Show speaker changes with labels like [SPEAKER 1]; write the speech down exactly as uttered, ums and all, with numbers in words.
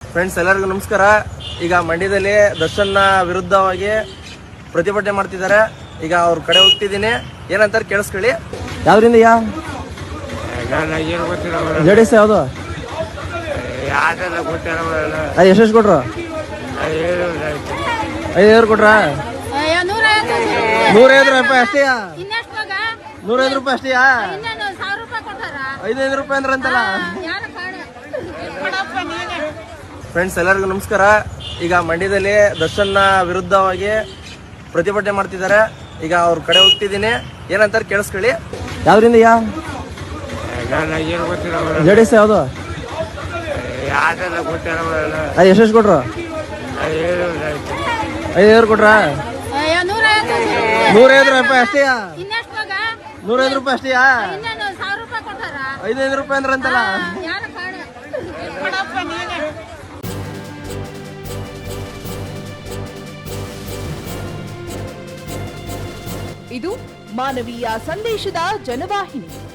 [SPEAKER 1] Friends ಎಲ್ಲರಿಗೂ ನಮಸ್ಕಾರ. ಈಗ ಮಂಡ್ಯದಲ್ಲಿ ದರ್ಶನ್ ವಿರುದ್ಧವಾಗಿ ಪ್ರತಿಭಟನೆ ಮಾಡ್ತಿದ್ದಾರೆ. ಈಗ ಅವ್ರ ಕಡೆ ಹೋಗ್ತಿದ್ದೀನಿ, ಏನಂತಾರೆ ಕೇಳಿಸ್ಕೊಳ್ಳಿ. ಯಾವ್ದ್ರಿಂದ ಯಾ ಜೆ ಡಿ ಎಸ್ ಯಾವುದು ಅದು ಎಷ್ಟೆಷ್ಟು ಕೊಟ್ರು? ಐದೈದು ಕೊಟ್ರಾ? ನೂರೈವತ್ತು ರೂಪಾಯಿ ಅಷ್ಟೇಯಾ? ನೂರೈದು ರೂಪಾಯಿ ಅಷ್ಟೇಯಾ? ಐದೈದು ರೂಪಾಯಿ ಅಂದ್ರೆ ಅಂತಲ್ಲ. ಫ್ರೆಂಡ್ಸ್ ಎಲ್ಲರಿಗೂ ನಮಸ್ಕಾರ. ಈಗ ಮಂಡ್ಯದಲ್ಲಿ ದರ್ಶನ್ ವಿರುದ್ಧವಾಗಿ ಪ್ರತಿಭಟನೆ ಮಾಡ್ತಿದ್ದಾರೆ. ಈಗ ಅವ್ರ ಕಡೆ ಹೋಗ್ತಿದ್ದೀನಿ, ಏನಂತಾರೆ ಕೇಳಿಸ್ಕೊಳ್ಳಿ. ಯಾವ್ದ್ರಿಂದ ಯಾ ಜೆ ಡಿ ಎಸ್ ಯಾವುದು ಅದು ಎಷ್ಟೆಷ್ಟು ಕೊಟ್ರು? ಐದೈದು ಕೊಟ್ರಾ? ನೂರೈವತ್ತು ರೂಪಾಯಿ ಅಷ್ಟೇಯಾ? ನೂರೈದು ರೂಪಾಯಿ ಅಷ್ಟೇಯಾ? ಐದೈದು ರೂಪಾಯಿ ಅಂದ್ರೆ ಅಂತಲ್ಲ.
[SPEAKER 2] ಇದು ಮಾನವೀಯ ಸಂದೇಶದ ಜನವಾಹಿನಿ.